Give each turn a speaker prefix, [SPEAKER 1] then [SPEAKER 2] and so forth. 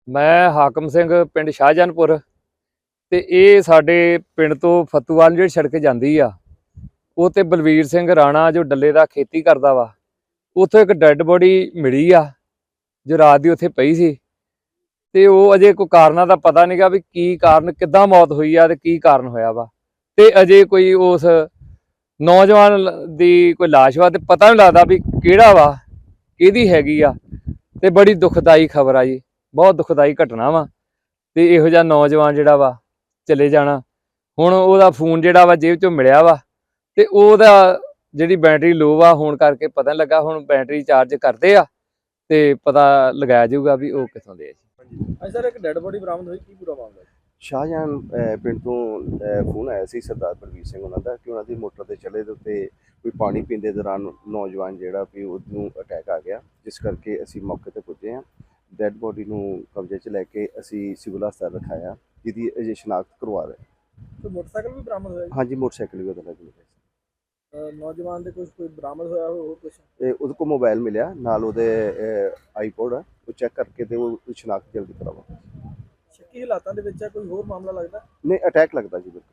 [SPEAKER 1] ਮੈਂ ਹਾਕਮ ਸਿੰਘ ਪਿੰਡ ਸ਼ਾਹਜਹਾਨਪੁਰ ਤੇ ਇਹ ਸਾਡੇ ਪਿੰਡ ਤੋਂ ਫਤੂਵਾਲ ਜਿਹੜੀ ਸੜਕ ਜਾਂਦੀ ਆ ਉਹ ਤੇ ਬਲਵੀਰ ਸਿੰਘ ਰਾਣਾ ਜੋ ਡੱਲੇ ਦਾ ਖੇਤੀ ਕਰਦਾ ਵਾ ਉੱਥੇ ਇੱਕ ਡੈੱਡ ਬੋਡੀ ਮਿਲੀ ਆ ਜੋ ਰਾਤ ਦੀ ਉੱਥੇ ਪਈ ਸੀ ਤੇ ਉਹ ਅਜੇ ਕੋਈ ਕਾਰਨਾਂ ਦਾ ਪਤਾ ਨਹੀਂਗਾ ਵੀ ਕੀ ਕਾਰਨ ਕਿੱਦਾਂ ਮੌਤ ਹੋਈ ਆ ਤੇ ਕੀ ਕਾਰਨ ਹੋਇਆ ਵਾ ਤੇ ਅਜੇ ਕੋਈ ਉਸ ਨੌਜਵਾਨ ਦੀ ਕੋਈ ਲਾਸ਼ ਵਾ ਤੇ ਪਤਾ ਨਹੀਂ ਲੱਗਦਾ ਵੀ ਕਿਹੜਾ ਵਾ ਕਿਹਦੀ ਹੈਗੀ ਆ ਤੇ ਬੜੀ ਦੁਖਦਾਈ ਖਬਰ ਆ ਜੀ। ਬਹੁਤ ਦੁਖਦਾਈ ਘਟਨਾ ਵਾ ਤੇ ਇਹੋ ਜਿਹਾ ਨੌਜਵਾਨ ਜਿਹੜਾ ਵਾ ਚਲੇ ਜਾਣਾ। ਹੁਣ ਉਹਦਾ ਫੋਨ ਜਿਹੜਾ ਵਾ ਜੇਬ ਚੋਂ ਮਿਲਿਆ ਵਾ ਤੇ ਉਹਦਾ ਜਿਹੜੀ ਬੈਟਰੀ ਲੋ ਆ ਹੋਣ ਕਰਕੇ ਪਤਾ ਨਹੀਂ ਲੱਗਾ। ਹੁਣ ਬੈਟਰੀ ਚਾਰਜ ਕਰਦੇ ਆ ਤੇ ਪਤਾ ਲਗਾਇਆ ਜਾਊਗਾ ਵੀ ਉਹ ਕਿੱਥੋਂ ਦੇ ਆ ਜੀ।
[SPEAKER 2] ਅੱਜ ਸਰ ਇੱਕ ਡੈੱਡ ਬੋਡੀ ਬਰਾਮਦ ਹੋਈ, ਕੀ ਪੂਰਾ ਮਾਮਲਾ ਹੈ?
[SPEAKER 3] ਸ਼ਾਹਜਹਾਨ ਪਿੰਡ ਤੋਂ ਫੋਨ ਆਇਆ ਸੀ ਸਰਦਾਰ ਬਲਵੀਰ ਸਿੰਘ ਉਹਨਾਂ ਦਾ ਕਿ ਉਹਨਾਂ ਦੀ ਮੋਟਰ ਤੇ ਚਲੇ ਦੇ ਉੱਤੇ ਕੋਈ ਪਾਣੀ ਪੀਂਦੇ ਦੌਰਾਨ ਨੌਜਵਾਨ ਜਿਹੜਾ ਵੀ ਉਹਨੂੰ ਅਟੈਕ ਆ ਗਿਆ, ਜਿਸ ਕਰਕੇ ਅਸੀਂ ਮੌਕੇ ਤੇ ਪੁੱਜੇ ਹਾਂ। ਡੈੱਡ ਬੋਡੀ ਨੂੰ ਕਬਜ਼ੇ 'ਚ ਲੈ ਕੇ ਅਸੀਂ ਸਿਵਲ ਹਸਪਤਾਲ ਰਖਾਇਆ, ਜਿਹਦੀ ਅਜੇ ਸ਼ਨਾਖਤ ਕਰਵਾ ਰਹੇ।
[SPEAKER 2] ਕੋਈ ਮੋਟਰਸਾਈਕਲ ਵੀ ਬਰਾਮਦ ਹੋਇਆ ਜੀ?
[SPEAKER 3] ਹਾਂਜੀ, ਮੋਟਰਸਾਈਕਲ ਵੀ ਉਹਦੇ ਨਾਲ ਮਿਲਿਆ।
[SPEAKER 2] ਨੌਜਵਾਨ ਦੇ ਕੋਈ ਬਰਾਮਦ ਹੋਇਆ ਹੋਰ ਕੁਝ?
[SPEAKER 3] ਤੇ ਉਹਦੇ ਕੋਲ ਮੋਬਾਈਲ ਮਿਲਿਆ, ਨਾਲ ਉਹਦੇ ਆਈਪੋਡ ਆ, ਉਹ ਚੈੱਕ ਕਰਕੇ ਤੇ ਉਹ ਸ਼ਨਾਖਤ ਜਲਦੀ ਕਰਾਵਾਂਗੇ।
[SPEAKER 2] ਸ਼ੱਕੀ ਹਾਲਾਤਾਂ ਦੇ ਵਿੱਚ ਹੈ, ਕੋਈ ਹੋਰ ਮਾਮਲਾ ਲੱਗਦਾ?
[SPEAKER 3] ਨਹੀਂ, ਅਟੈਕ ਲੱਗਦਾ ਜੀ ਬਿਲਕੁਲ।